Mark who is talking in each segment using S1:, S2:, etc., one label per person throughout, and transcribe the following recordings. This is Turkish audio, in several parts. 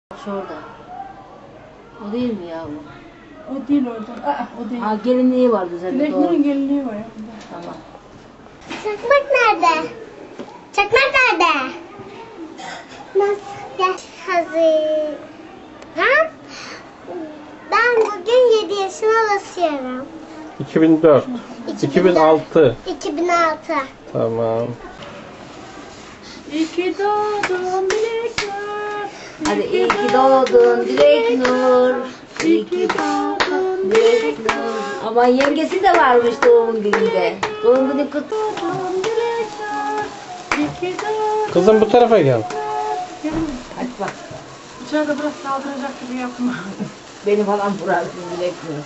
S1: Şurada. O değil mi ya bu?
S2: O değil orada. O değil.
S1: Ha gelinliği vardı zaten.
S2: Dileklerin gelinliği var ya.
S1: Tamam.
S3: Çakmak nerede? Çakmak nerede? Nasıl hazır? Ha? Ben bugün 7 yaşına basıyorum.
S4: 2004. 2006.
S3: 2006.
S4: Tamam.
S2: İyi ki doğdun Dilekler.
S1: Hadi iyi ki doğdun Dilek Nur. İyi ki doğdun Dilek Nur. Ama yengesi de varmış doğum gününde. Doğum günü kutlu olsun Dilek Nur.
S2: İyi ki doğdun.
S4: Kızım bu tarafa gel.
S1: Hadi bak.
S2: İçeride biraz saldıracak gibi yapma.
S1: Beni falan vurarsın Dilek Nur.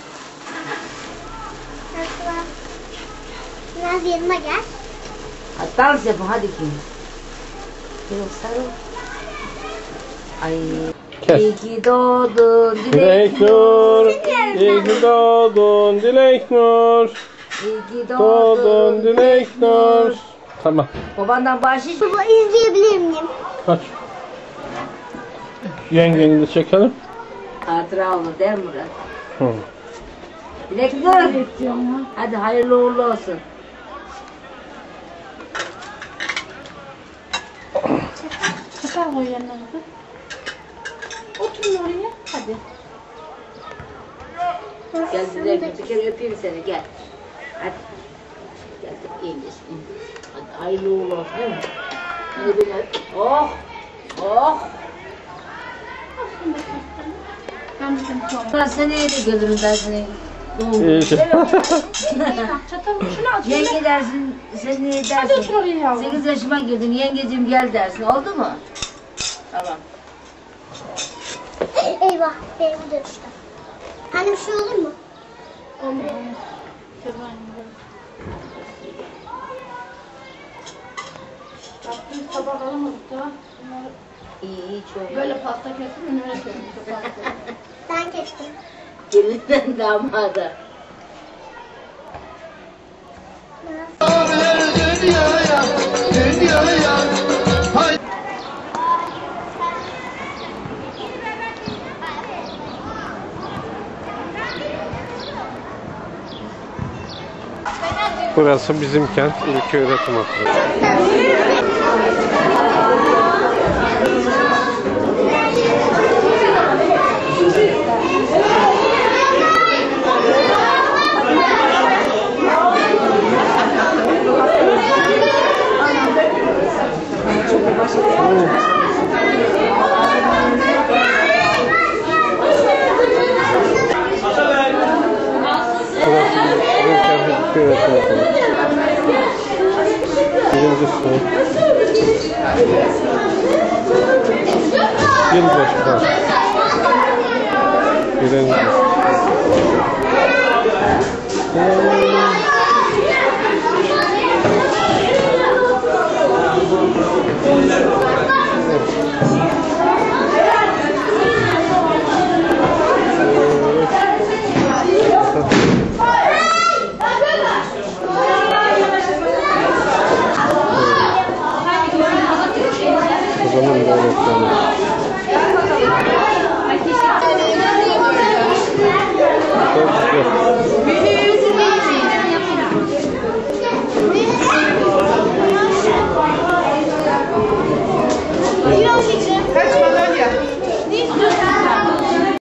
S3: Nasıl? Biraz yanıma gel.
S1: Hadi dans yapın hadi kim? Yok sarıl. Ay.
S4: Kes.
S1: İyi ki doğdun
S4: Dilek Nur. İyi ki doğdun Dilek Nur.
S1: İyi ki
S4: Doğdun Dilek Nur. Tamam.
S1: Babandan bahşiş.
S3: Baba izleyebilir miyim?
S4: Kaç. Yengeni de çekelim.
S1: Hatıra olur değil mi Murat?
S4: Hı.
S1: Dilek Nur. Hadi hayırlı uğurlu olsun.
S2: Çıkar koy yanına. Oturun oraya. Hadi.
S1: Gel Dilek bir kere öpeyim seni gel. Hadi. Gel de iyileşsin. Hadi hayırlı uğurlu olsun değil mi? Hadi beni öp. Oh. Oh.
S2: Ben bizim sonra.
S1: Ben seneye de gelirim ben seni. Doğum
S4: İyi.
S1: günü.
S2: Çatal şunu al.
S1: Yenge dersin, sen ne
S2: Hadi
S1: dersin?
S2: otur oraya yavrum.
S1: 8 yaşıma girdin, yengeciğim gel dersin. Oldu mu? Tamam.
S3: Eyvah. Benim de düştü. Anne bir şey olur mu?
S2: Olmuyor. Yaptığımız tabak alamadık da. Bunları
S1: İyi, çok.
S2: böyle pasta kesin önüne koyalım.
S3: Ben kestim.
S1: Gelinden damada.
S4: Burası bizim kent İlköğretim Okulu. İlköğretim Okulu. Birinci sınıf. Yılbaşı var. Birinci sınıf.